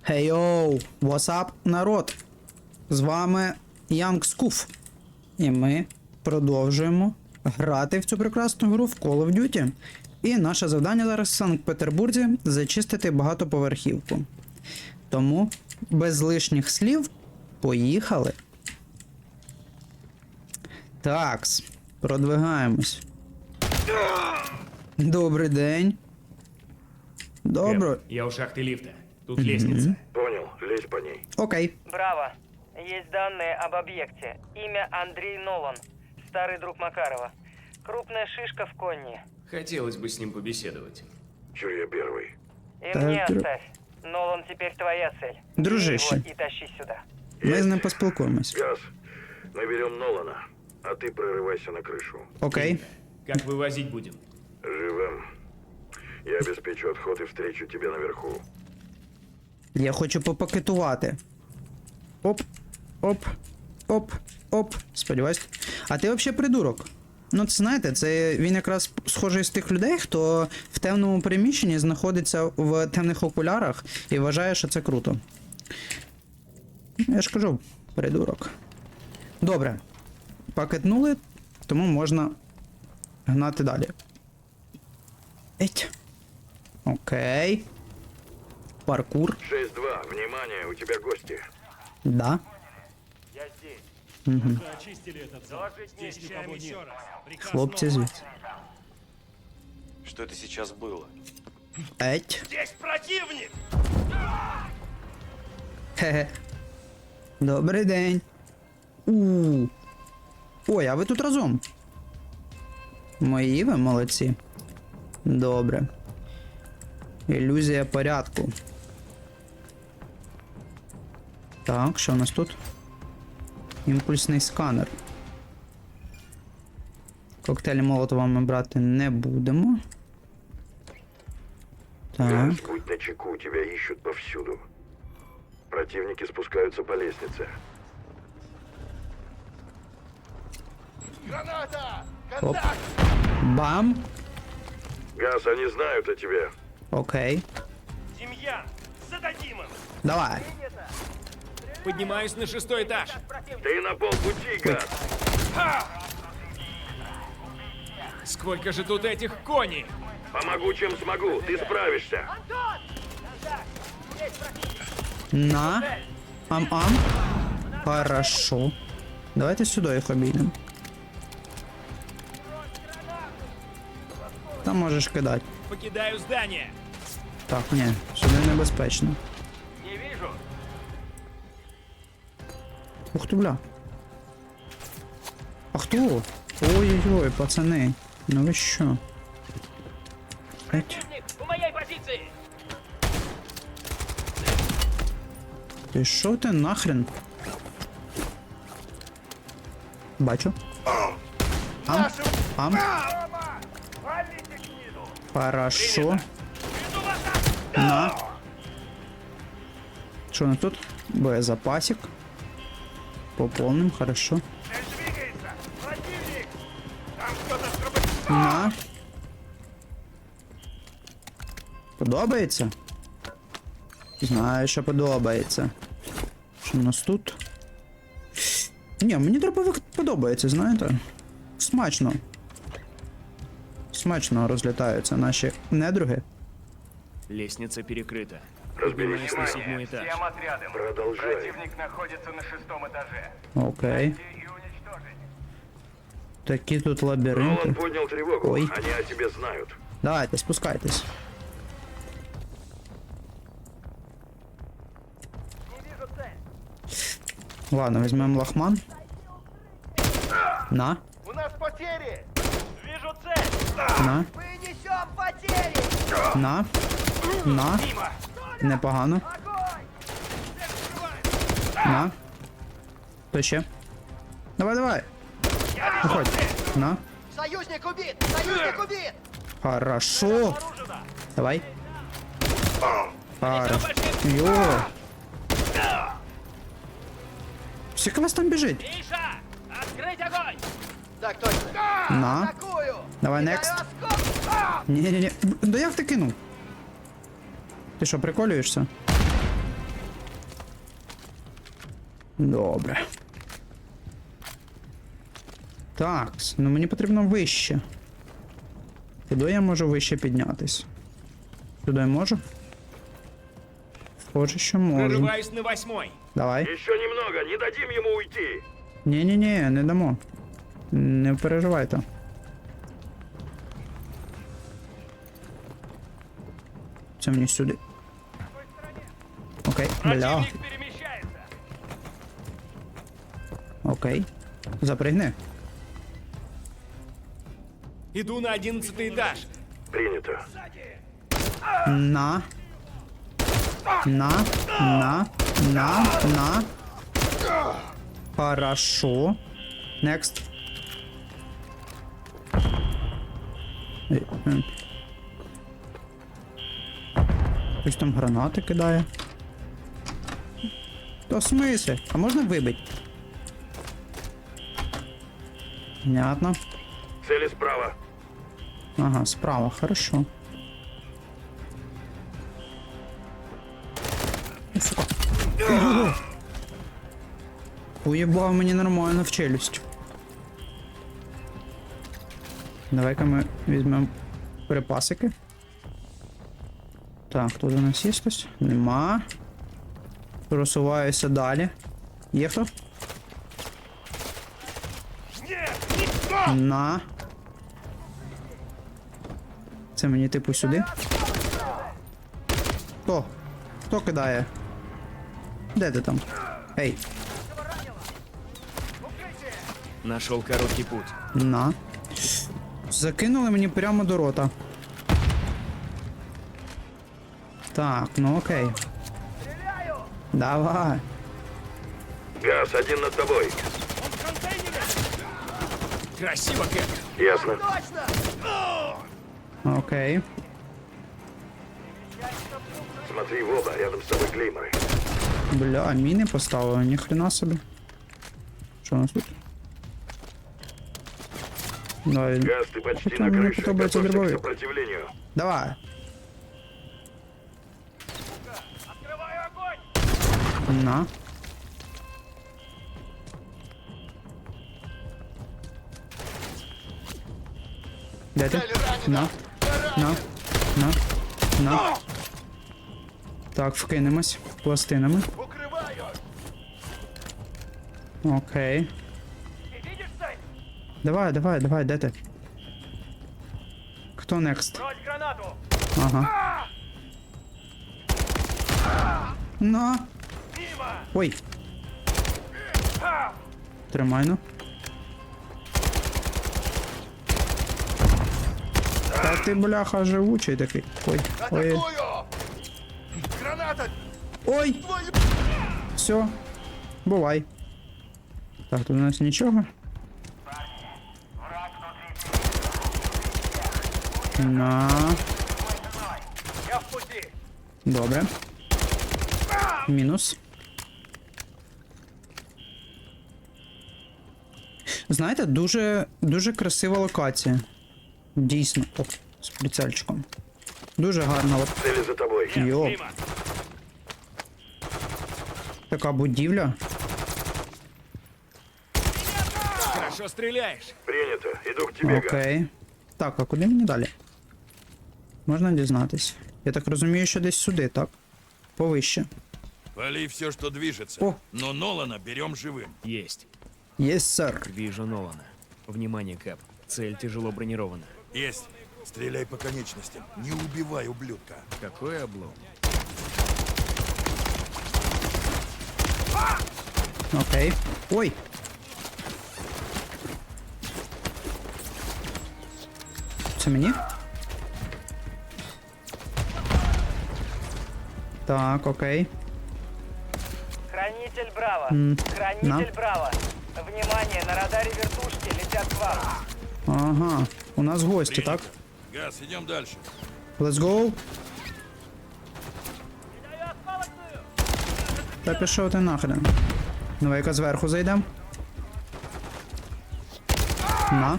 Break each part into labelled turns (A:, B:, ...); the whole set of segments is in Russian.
A: Hey yo, what's up, народ? З вами Young Scoof. І ми продовжуємо грати в цю прекрасну гру в Call of Duty. І наше завдання зараз в Санкт-Петербурзі зачистити багатоповерхівку. Тому, без лишніх слів, поїхали. Такс, продвигаємось. Добрий день. Добро.
B: Я у шахты лифта. Тут лестница.
C: Понял, лезь по ней.
A: Окей.
D: Браво. Есть данные об объекте. Имя Андрей Нолан. Старый друг Макарова. Крупная шишка в Конни.
B: Хотелось бы с ним побеседовать.
C: Чё я первый?
D: И
A: Так,
D: мне
A: дру-
D: оставь. Нолан теперь твоя цель.
A: Дружище.
D: Бери его и тащи сюда.
A: Ми з ним поспілкуємось.
C: Газ, наберем Нолана, а ты прорывайся на крышу.
A: Окей.
B: Как вывозить будем?
C: Живем. Я обеспечу отход и встречу тебя наверху.
A: Я хочу попакетувати. Оп, оп, оп, оп. Сподіваюсь. А ти взагалі придурок. Ну, це знаєте, це він якраз схожий з тих людей, хто в темному приміщенні знаходиться в темних окулярах і вважає, що це круто. Я ж кажу, придурок. Добре. Пакетнули, тому можна гнати далі. Еть. Окей. Паркур.
C: 6-2, внимание, у тебя гости.
A: Да.
E: Очистили этот зал. Здесь никого нет. Приказ
A: Хлопці
E: Нолана.
A: звідси.
F: Что это сейчас было?
A: Еть.
E: Здесь противник!
A: Хе-хе. Добрий день. У. Ой, а ви тут разом? Мої ви молодці. Добре. Ілюзія порядку. Так, що у нас тут? Імпульсний сканер. Коктейлі Молотова ми брати не будемо. Так.
C: Газ, будь начеку, тебя ищут повсюду. Противники спускаются по лестнице.
A: Оп. Бам.
C: Газ, они знают о тебе.
A: Окей.
E: Демьян, зададим им!
A: Давай.
B: Поднимаюсь на 6-й этаж.
C: Ты на полпути, Газ.
B: Сколько же тут этих коней?
C: Помогу, чем смогу, ты справишься.
A: На. Ам-ам. Хорошо. Давайте сюди їх обійдемо. Там можеш кидати.
B: Покидаю здание.
A: Так, ні, сюди небезпечно.
B: Не вижу.
A: Ух ти, бля. А хто? Ой-ой-ой, пацани. Ну ви що? Еть.
B: У моей позиции.
A: Ти що ти нахрен? Бачу. Ам. Ам. Хорошо. На. Що у нас тут? Боєзапасик. Пополним, хорошо. На. Подобається? Знаю, що подобається. Що у нас тут? Ні, мені дробовик подобається, знаєте? Смачно. Смачно розлітаються наші недруги.
B: Лестница перекрыта.
C: Разберись.
B: Поднимаюсь на 7-й этаж.
G: Всем отрядам.
C: Продолжай.
G: Противник находится на 6-м этаже.
A: Окей.
G: И уничтожить.
A: Такі тут лабіринти.
C: Нолан поднял тревогу,
A: Ой.
C: они о тебе знают.
A: Давайте, спускайтесь. Ладно, візьмемо лахман. На,
G: У нас потери!
E: Вижу цель!
A: на,
G: Мы несем потери!
A: на, на. Непогано. На. Хто ще? Давай, давай. Виходь. На.
G: Союзник убит! Союзник убит!
A: Хорошо. Давай. Хорошо. Йо. Скільки вас там біжить?
B: Миша! Открыть огонь!
G: Так точно!
A: На.
G: Атакую!
A: Давай, next. Ні-ні-ні. Да як ти кинув? Ти що, приколюєшся? Добре. Так, ну мені потрібно вище. Куди я можу вище піднятись? Сюди я можу? Схоже, що можу.
B: Прорываюсь на 8-й.
A: Давай.
C: Еще немного, не дадим ему уйти.
A: Ні-ні-ні, не дамо. Не переживайте. Це мені сюди. Окей, бля.
B: Противник перемещается.
A: Окей. Запригни.
B: Иду на 11-й этаж.
C: Принято.
A: На. На. Хорошо. Next. Хтось там гранати кидає. То в смислі? А можна вибити? Понятно.
C: Цели справа.
A: Ага, справа, хорошо. О, сука. Ого. Уєбав мені нормально в челюсть. Давай-ка ми візьмемо припасики. Так, тут у нас є хтось? Нема. Просуваюся далі. Є хто? На. Це мені типу сюди. Хто? Хто кидає? Де ти там? Ей,
B: Нашел короткий путь.
A: на. Закинули мені прямо до рота. Так, ну окей. Давай.
C: Газ, один над тобой.
B: Красиво, Кэп.
C: Ясно.
A: Окей.
C: Смотри в оба, рядом с тобой клейморы.
A: Бля, міни поставили, ніхрена собі. Що у нас тут? Давай.
C: Газ, ты почти
A: Что
C: на
A: мне
C: крыше.
A: подобается
C: Готовься к
A: дробовик?
C: сопротивлению.
A: Давай.
G: Открываю огонь!
A: На. Де ти? На. На. Так, вкинемось пластинами.
G: Укрываю!
A: Окей.
G: Ты видишь цель?
A: Давай, де ти? Хто next?
G: Брось гранату!
A: Ага. На.
G: Мимо!
A: Ой. Тримай, ну. Та ти, бляха, живучий такий. Ой. Ой.
G: Атакую! Граната!
A: Ой. Все. Бувай. Так, тут у нас нічого. На.
G: Я в пути!
A: Добре. Мінус. Знаєте, дуже красива локація. Дійсно. О, з прицельчиком. Дуже гарна от
C: Цели за тобой.
A: йо,
B: Мимо.
A: така будівля.
B: Хорошо стреляешь.
C: Принято. Иду к тебе, Газ.
A: Окей. Так, а куди мені далі? Можна дізнатись. Я так розумію, що десь сюди, так? Повище.
H: Вали все, что движется.
A: О.
H: Но Нолана берем живым.
B: Есть.
A: Єс, сер.
B: Вижу Нолана. Внимание, Кэп. Цель тяжело бронирована.
H: Есть. Стреляй по конечностям. Не убивай ублюдка.
B: Какой облом.
A: Окей. Ой! Це мені? Так, окей.
D: Хранитель Браво.
A: на.
D: Хранитель Браво. Внимание, на радаре вертушки летят к вам.
A: Ага. У нас гості, так?
H: Газ, идем дальше.
A: Let's go. Та пішов ти нахрен. Давай-ка зверху зайдем. На.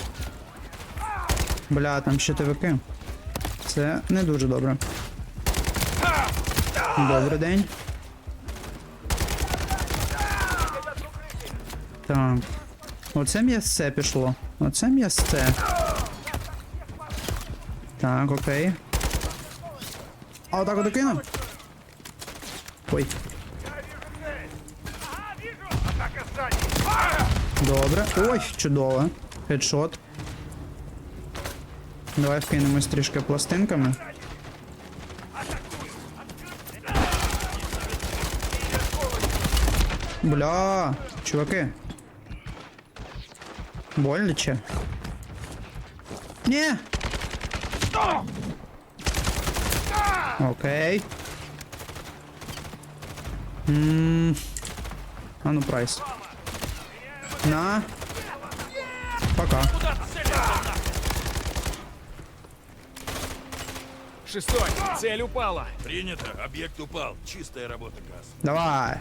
A: Бля, там щитовики. Це не дуже добре. Добрий день. Так. Оце м'ясце пішло. Оце м'ясце. Так, окей. А отак от кину? Ой.
G: Атака сзади.
A: Добре. Ой, чудово. Хедшот. Давай вкинемось трішки пластинками. Бля, чуваки. Боляче. Ні. Окей. А ну прайс. На. Пока.
B: Шестой, цель упала.
H: Принято. Объект упал. Чистая работа, Газ.
A: Давай.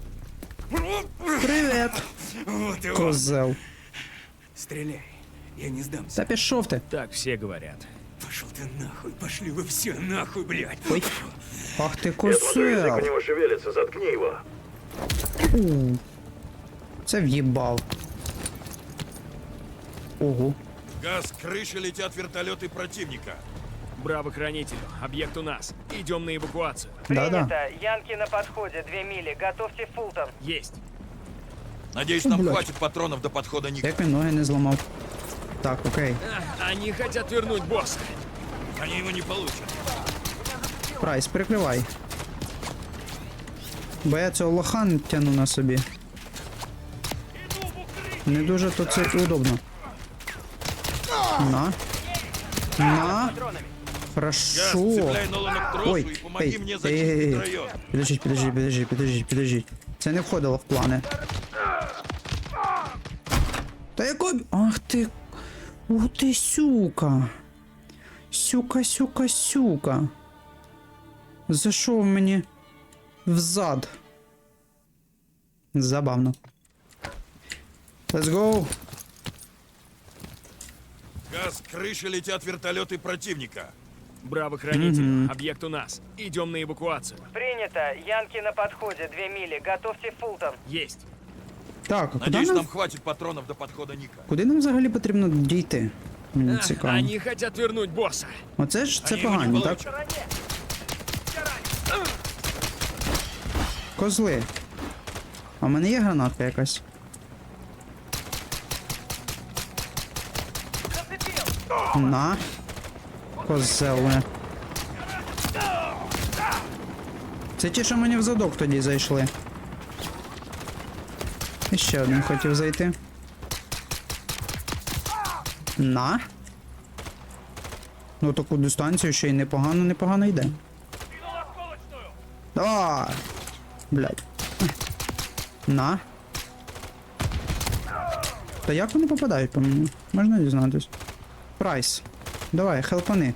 A: Привет.
E: Вот его.
A: Козел.
E: Стреляй. Я не сдамся.
A: Та пішов ти.
B: Так все говорят.
E: Пошел ты нахуй. Пошли вы все нахуй, блядь.
A: Ой. Ах ти
C: Я смотрю, язык у
A: козел.
C: него шевелится, заткни его.
A: Це в'їбав. Ого.
H: Газ, крыши летят вертолеты противника.
B: Браво хранителю, объект у нас. Идем на эвакуацию.
A: Да-да.
D: Принято. Янки на подходе. 2 мили. Готовьте Фултон.
B: Есть.
H: Надеюсь, нам
A: Блядь.
H: хватит патронов до подхода Ника.
A: Як він ноги не зламав. Так, окей.
B: Они хотят вернуть босса.
H: Они его не получат.
A: Прайс, прикривай. Бо я цього лоха не тяну на собі. Не дуже то це удобно. На. На.
H: Газ,
A: Хорошо.
H: цепляй Нолана к тросу
A: Ой,
H: и помоги
A: ей,
H: мне
A: ей,
H: зачистить
A: ей.
H: район.
A: Підождіть. Це не входило в плани. Та яко... Ах ти... Ух ти, сюка. Сюка. Зайшов мені взад. Забавно. Let's go.
H: Газ, крыши летят вертолеты противника.
B: Браво хранителю, объект у нас. Идем на эвакуацию.
D: Принято. Янки на подходе. 2 мили. Готовьте Фултон.
B: Есть.
A: Так, а куди
H: Надеюсь,
A: нам...
H: нам хватит патронов до подхода Ника.
A: Куди нам взагалі потрібно дійти? Мені цікаво.
B: Они хотят вернуть босса.
A: Оце ж це
H: Они его не
A: погані, так?
H: получат.
A: Козли. А в мене є гранатка якась? На. Козел. мене. Це ті, що мені в задок тоді зайшли. І ще один хотів зайти. На. Ну таку дистанцію ще й непогано йде. Давай. Блядь. На. Та як вони попадають по мені? Можна дізнатись? Прайс. Давай, хелпани.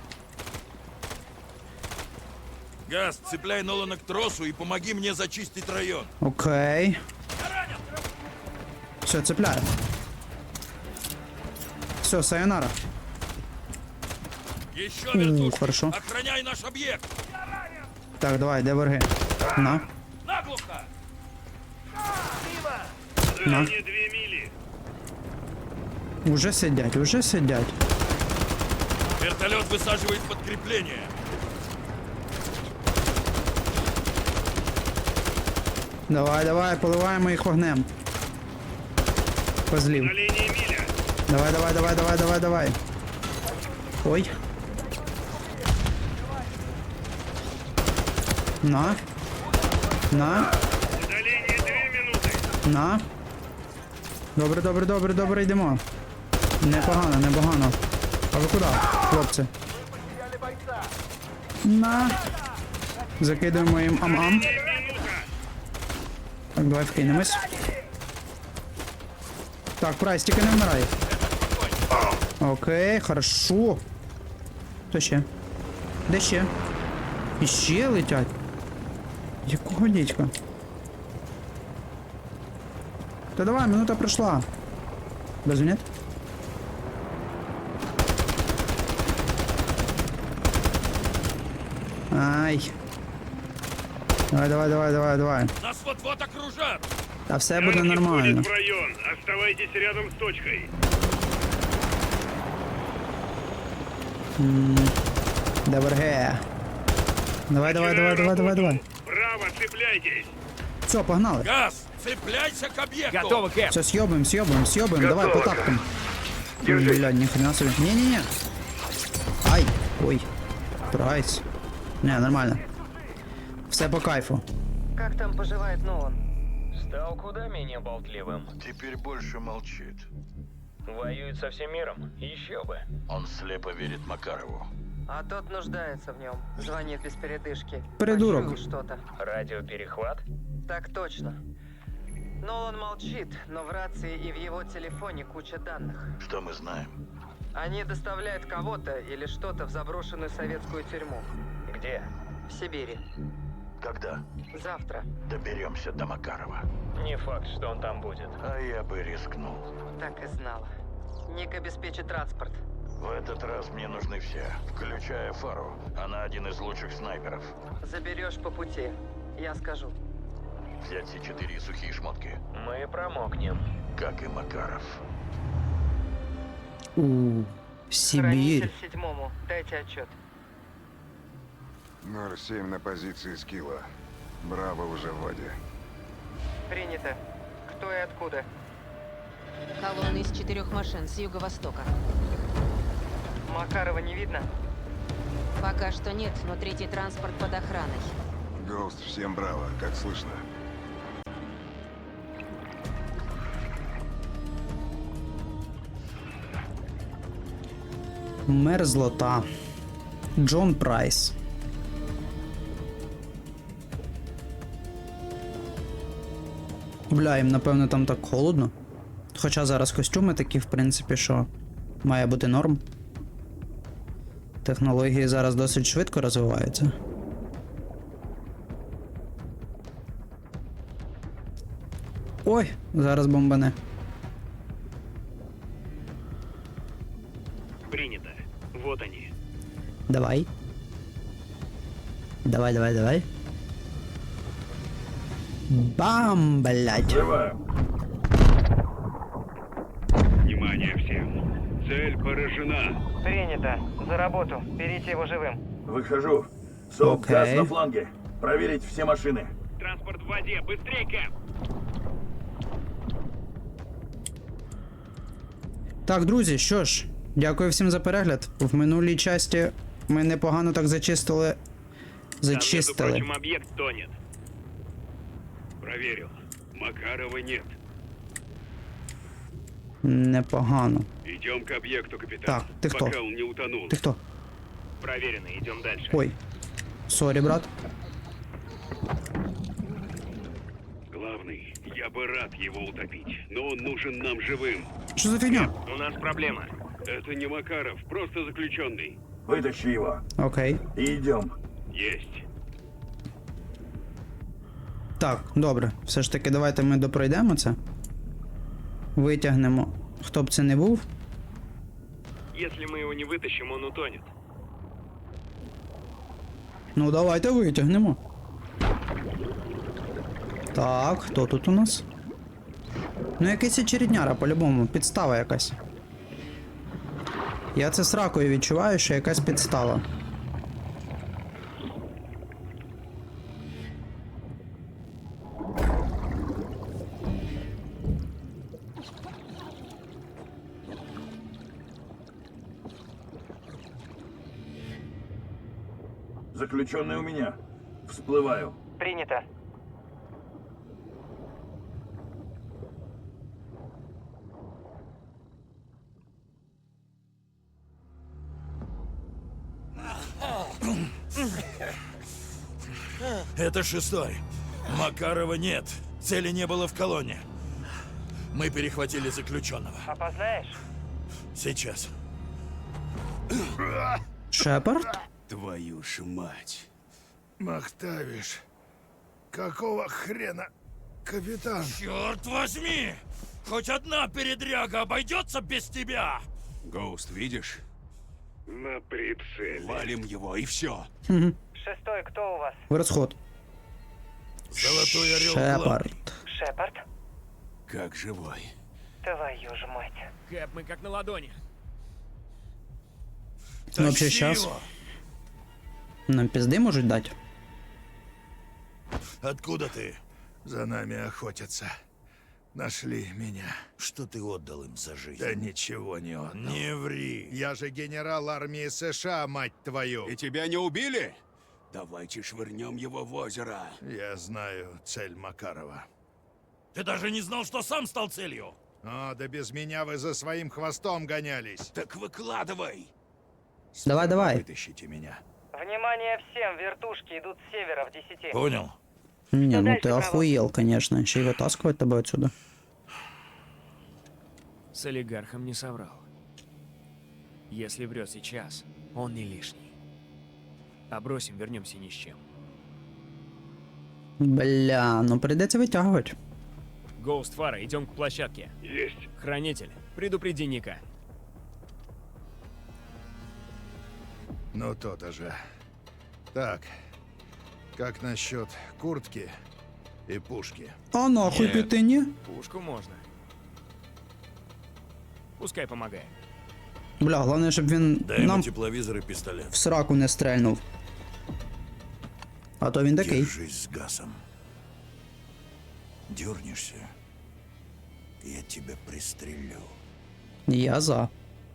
H: Газ, цепляй Нолана к тросу и помоги мне зачистить район.
A: Окей. Все, цепляю. Все, сайонара.
H: Еще вертушки.
A: хорошо.
H: Охраняй наш объект.
A: Так, давай, де враги? На.
H: Наглухо.
A: На.
G: 2 мили.
A: Уже сидять.
H: Вертолет высаживает подкрепление.
A: Давай, поливаємо їх вогнем. Козлів.
G: Линия миля.
A: Давай. Ой. На.
G: Удаление 2 минуты.
A: На. Добре, йдемо. Непогано. А ви куди, хлопці? На. Закидуємо їм ам-ам. Так, давай вкинемось. Так, Прайс, тільки не вмирай. Окей, хорошо. Хто ще? Де ще? Іще летять. Якого дідька? Та давай, минута пройшла. Без нет? Ай. Давай.
H: Нас вот-вот окружат.
A: Та все буде
G: Танки
A: нормально.
G: входят в район. Оставайтесь рядом с точкой.
A: Добре. Давай.
G: Право, цепляйтесь.
A: Все, погнали.
H: Газ, цепляйся к объекту!
B: Готово, Кэп.
A: Все, съебаем. Давай, по
C: Готово.
A: тапкам.
C: Держись.
A: Блядь, ни хрена себе. Не. Ай, ой. Прайс. Не, нормально. Все по кайфу.
D: Как там поживает Нолан?
I: Стал куда менее болтливым.
F: Теперь больше молчит.
I: Воюет со всем миром. Еще бы.
F: Он слепо верит Макарову.
D: А тот нуждается в нем. Звонит без передышки.
A: Придурок.
D: Почуял что-то.
I: Радиоперехват?
D: Так точно. Нолан молчит, но в рации и в его телефоне куча данных.
F: Что мы знаем?
D: Они доставляют кого-то или что-то в заброшенную советскую тюрьму.
I: Где?
D: В Сибири.
F: Когда?
D: Завтра.
F: Доберемся до Макарова.
I: Не факт, что он там будет.
F: А я бы рискнул.
D: Так и знала. Ник обеспечит транспорт.
F: В этот раз мне нужны все, включая Фару. Она один из лучших снайперов.
D: Заберешь по пути. Я скажу.
F: Взять все 4 сухие шмотки,
I: Мы промокнем.
F: как и Макаров.
A: Сибирь.
D: Хранитель 7-му. Дайте отчет.
C: 07 на позиции Скилла. Браво уже в воде.
D: Принято. Кто и откуда?
J: Колонна из 4 машин с юго-востока.
D: Макарова не видно?
J: Пока что нет, но третий транспорт под охраной.
C: Гоуст, всем браво. Как слышно?
A: Мерзлота. Джон Прайс. Бля, їм напевно там так холодно. Хоча зараз костюми такі, в принципі, що має бути норм. Технології зараз досить швидко розвиваються. Ой, зараз бомбане.
G: Принято. Вот они.
A: Давай. Давай. Бам, блядь.
G: Внимание всем. Цель поражена.
D: Принято. За работу. Берите его живым.
H: Выхожу.
A: СОП, газ на
H: фланге. Проверить все машины.
G: Транспорт в воде. Быстрей, Кэп.
A: Так, друзі, що ж, дякую всім за перегляд. В минулій часті ми непогано так зачистили.
G: Там, между прочим,
A: Зачистили.
G: объект тонет. Проверил. Макарова нет.
A: Непогано.
G: Идем к объекту, капитан.
A: Так, ты кто?
G: Пока он не утонул.
A: Ти хто?
G: Проверено. Идем дальше.
A: Ой. Сорі, брат.
G: Главный, я бы рад его утопить, но он нужен нам живым.
A: Що за фігня?
G: У нас проблема. Это не Макаров, просто заключенный.
H: Вытащи его.
A: Окей.
H: И идем.
G: Есть.
A: Так, добре. Все ж таки, давайте ми допройдемо це. Витягнемо. Хто б це не був.
G: Если мы его не вытащим, он утонет.
A: Ну, давайте витягнемо. Так, хто тут у нас? Ну, якийсь очередняра, по-любому. Підстава якась. Я це сракою відчуваю, що якась підстава.
H: Заключенный у меня. Всплываю.
D: Принято.
H: Это 6-й. Макарова нет. Цели не было в колонне. Мы перехватили заключенного.
D: Опознаешь?
H: Сейчас.
A: Шепард?
E: Твою ж мать. Махтавиш. Какого хрена, капитан?
H: Черт возьми! Хоть одна передряга обойдется без тебя!
E: Гоуст, видишь?
G: На прицеле.
E: Валим его и все.
D: 6-й, кто у вас?
A: В розход.
H: Золотой орел
A: Шепард.
D: Шепард?
H: Как живой.
D: Твою ж мать.
B: Кэп, мы как на ладони.
A: Ну, вообще,
H: Тащи
A: щас.
H: его!
A: Нам пизди можуть дати.
H: Откуда ты?
K: За нами охотятся. Нашли меня.
H: Что ты отдал им за жизнь?
K: Да ничего не отдал.
H: Не ври.
K: Я же генерал армии США, мать твою.
G: И тебя не убили? Давайте швырнем его в озеро.
K: Я знаю цель Макарова.
H: Ты даже не знал, что сам стал целью.
K: О, да без меня вы за своим хвостом гонялись.
G: Так выкладывай.
A: Давай, давай.
K: Вытащите меня.
D: Внимание всем, вертушки идут с севера в 10.
H: Понял.
A: Не, ну
D: дальше,
A: ты
D: право?
A: охуел, конечно. Еще и вытаскивать тобой отсюда.
B: С олигархом не соврал. Если врет сейчас, он не лишний. А бросим, вернемся ни с чем.
A: Бля, ну придется вытягивать.
B: Гоуст, Фара, идем к площадке.
G: Есть.
B: Хранитель, предупреди Ника.
K: Ну, то-то же. Так, как насчет куртки и пушки?
A: А нахуй
H: Нет.
A: ты не?
B: Пушку можно. Пускай помогает.
A: Бля, головне, щоб він
H: Дай ему
A: нам
H: тепловизор и пистолет.
A: в сраку не стрельнув. А то він такий.
H: Держись с газом. Дернешься, я тебя пристрелю.
A: Я за.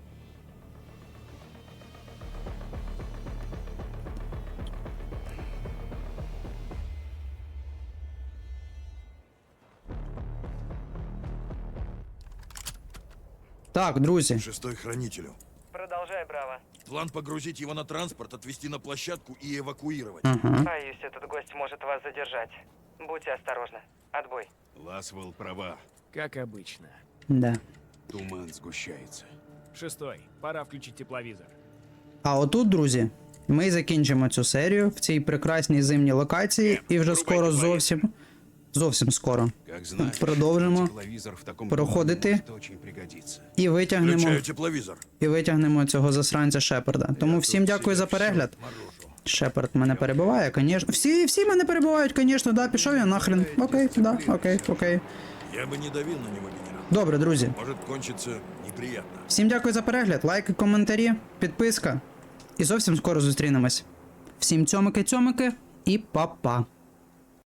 A: Так, друзі.
H: Шестой хранителю.
D: Продолжай, Браво.
H: План погрузить его на транспорт, отвезти на площадку и эвакуировать.
A: Ага.
D: Боюсь, этот гость может вас задержать. Будьте осторожны. Отбой.
G: Ласвелл права.
B: Как обычно.
A: Да.
G: Туман сгущается.
B: Шестой, пора включить тепловизор.
A: А отут, друзі, ми закінчимо цю серію в цій прекрасній зимній локації і вже скоро зовсім скоро
G: Как знаешь,
A: продовжимо
G: тепловизор в таком
A: проходити
G: тумане может очень пригодиться.
A: і витягнемо,
H: Включаю тепловизор.
A: цього засранця Шепарда. Тому всім дякую за перегляд. Шепард мене перебиває, звісно. Всі мене перебивають, звісно, да, пішов я нахрен. Окей, да, окей.
H: Я бы не давил на него, генерал.
A: Добре, друзі.
H: Может кончиться неприятно.
A: Всім дякую за перегляд, лайки, коментарі, підписка. І зовсім скоро зустрінемось. Всім цьомики-цьомики і па-па.